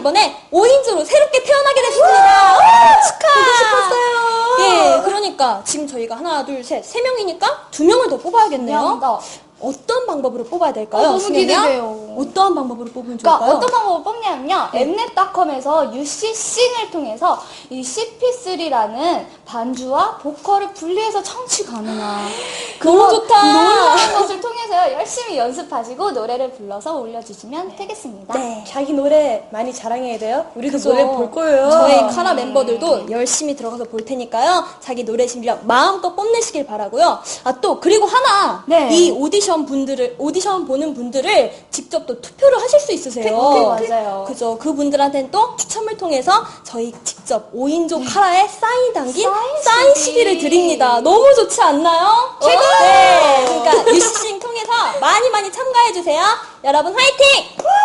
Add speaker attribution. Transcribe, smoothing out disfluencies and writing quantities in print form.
Speaker 1: 이번에 5인조로 새롭게 태어나게 됐습니다. 축하!
Speaker 2: 싶었어요.
Speaker 1: 예, 그러니까 지금 저희가 하나, 둘, 셋, 3명이니까 2명을 더 뽑아야겠네요.
Speaker 2: 미안하다.
Speaker 1: 어떤 방법으로 뽑아야 될까요?
Speaker 2: 너무
Speaker 1: 신혜야?
Speaker 2: 기대돼요.
Speaker 1: 어떠한 방법으로 뽑으면
Speaker 2: 그러니까
Speaker 1: 좋을까요?
Speaker 2: 어떤 방법을 뽑냐면요. 엠넷닷컴에서 UC싱을 통해서 이 CP3라는 반주와 보컬을 분리해서 청취 가능한
Speaker 1: 너무 좋다.
Speaker 2: 놀라운 것을 통해서 열심히 연습하시고 노래를 불러서 올려주시면 되겠습니다.
Speaker 1: 네.
Speaker 3: 자기 노래 많이 자랑해야 돼요. 우리도
Speaker 1: 그죠.
Speaker 3: 노래 볼 거예요.
Speaker 1: 저희 카라 멤버들도 열심히 들어가서 볼 테니까요. 자기 노래 실력 마음껏 뽐내시길 바라고요. 아, 또 그리고 하나
Speaker 2: 네.
Speaker 1: 이 오디션 보는 분들을 직접 또 투표를 하실 수 있으세요.
Speaker 2: 맞아요.
Speaker 1: 그죠. 그분들한테는 또 추첨을 통해서 저희 직접 5인조 카라에 사인 담긴 사인 CD를 드립니다. 너무 좋지 않나요? 최고! 네. 그러니까 유시싱 통해서 많이 참가해 주세요. 여러분 화이팅!